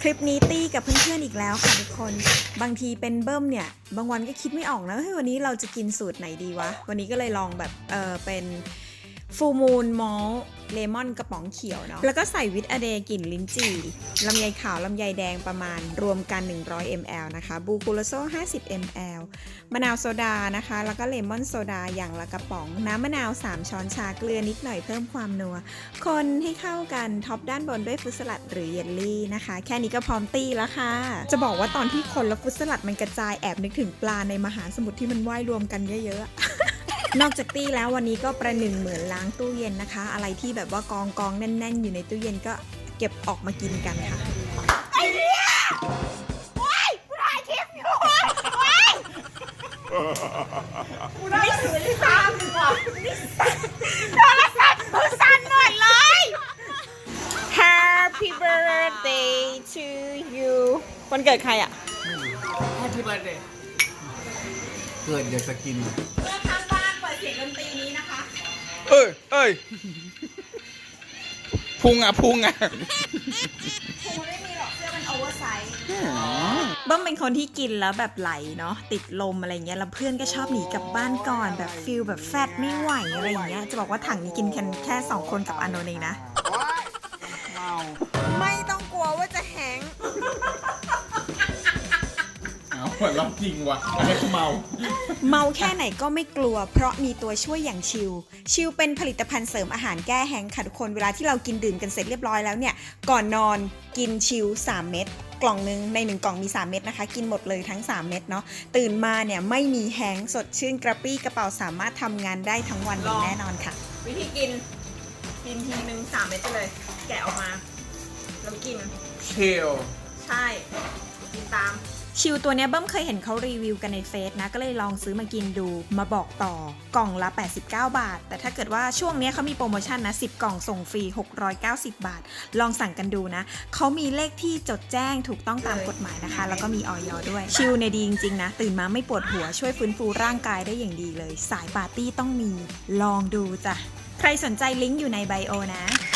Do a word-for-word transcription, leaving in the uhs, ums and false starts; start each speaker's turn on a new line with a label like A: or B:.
A: ลิปนี้ตี้กับเพื่อนๆอีกแล้วค่ะทุกคนบางทีเป็นเบิ้มเนี่ยบางวันก็คิดไม่ออกนะเฮ้ยวันนี้เราจะกินสูตรไหนดีวะวันนี้ก็เลยลองแบบเออเป็นฟูมูลมอลเลมอนกระป๋องเขียวเนาะแล้วก็ใส่วิตอะเดกลิ่นลิ้นจี่ลำไยขาวลำไยแดงประมาณรวมกันหนึ่งร้อยมิลลิลิตร นะคะบูคูโลโซห้าสิบมิลลิลิตร มะนาวโซดานะคะแล้วก็เลมอนโซดาอย่างละกระป๋องน้ำมะนาวสามช้อนชาเกลือนิดหน่อยเพิ่มความนัวคนให้เข้ากันท็อปด้านบนด้วยฟรุตสลัดหรือเยลลี่นะคะแค่นี้ก็พร้อมตีแล้วค่ะจะบอกว่าตอนที่คนแล้วฟรุตสลัดมันกระจายแอบนึกถึงปลาในมหาสมุทรที่มันว่ายรวมกันเยอะๆ นอกจากตี้แล้ววันนี้ก็ประหนึ่งเหมือนล้างตู้เย็นนะคะอะไรที่แบบว่ากองกองแน่นๆอยู่ในตู้เย็นก็เก็บออกมากินกันค่ะไอ้เนี่ยโอ๊ยกูถ่ายคลิปอยู่โอ๊ยกูได้ถือที่สามดีกว่าโทรศัพท์มือสั่นหมดเลย Happy birthday to you วันเกิดใครอ่ะ
B: Happy birthday เกิดอยากจะกิน
A: เมื่อทางบ้านเปิดเสียงดนตรีนี้นะคะ
B: เอ้ยเอ้ยพุงอ่ะพุงอ่ะ
A: คงไม่มีหรอกเสื้อมันโอเวอร์ไซส์เบิ้มเป็นคนที่กินแล้วแบบไหลเนาะติดลมอะไรเงี้ยแล้วเพื่อนก็ชอบหนีกลับบ้านก่อนแบบฟิลแบบแฟตไม่ไหวอะไรอย่างเงี้ยจะบอกว่าถังนี้กินกันแค่สองคนกับอานนท์เองนะไม่ต้องกลัวว่าจะแห้ง
B: เอาเหมือนเราจริงว่ะอันนี้คือเมา
A: เมาแค่ไหนก็ไม่กลัวเพราะมีตัวช่วยอย่างชิลชิลเป็นผลิตภัณฑ์เสริมอาหารแก้แห้งค่ะทุกคนเวลาที่เรากินดื่มกันเสร็จเรียบร้อยแล้วเนี่ยก่อนนอนกินชิลสามเม็ดกล่องนึงในหนึ่งกล่องมีสามเม็ดนะคะกินหมดเลยทั้งสามเม็ดเนาะตื่นมาเนี่ยไม่มีแห้งสดชื่นกระปรี้กระเป๋าสามารถทำงานได้ทั้งวันอย่างแน่นอนค่ะวิธีกินกินทีนึงสามเม็ดไปเลยแกะออกมาแล้วกิน
B: เชล
A: ใช่กินตามชิลตัวเนี้ยเบิ้มเคยเห็นเขารีวิวกันในเฟซนะก็เลยลองซื้อมากินดูมาบอกต่อกล่องละแปดสิบเก้าบาทแต่ถ้าเกิดว่าช่วงนี้เขามีโปรโมชั่นนะสิบกล่องส่งฟรีหกร้อยเก้าสิบบาทลองสั่งกันดูนะเขามีเลขที่จดแจ้งถูกต้องตามกฎหมายนะคะแล้วก็มีออยด้วยชิลเนี่ยดีจริงๆนะตื่นมาไม่ปวดหัวช่วยฟื้นฟูร่างกายได้อย่างดีเลยสายปาร์ตี้ต้องมีลองดูจ้ะใครสนใจลิงก์อยู่ในไบโอนะ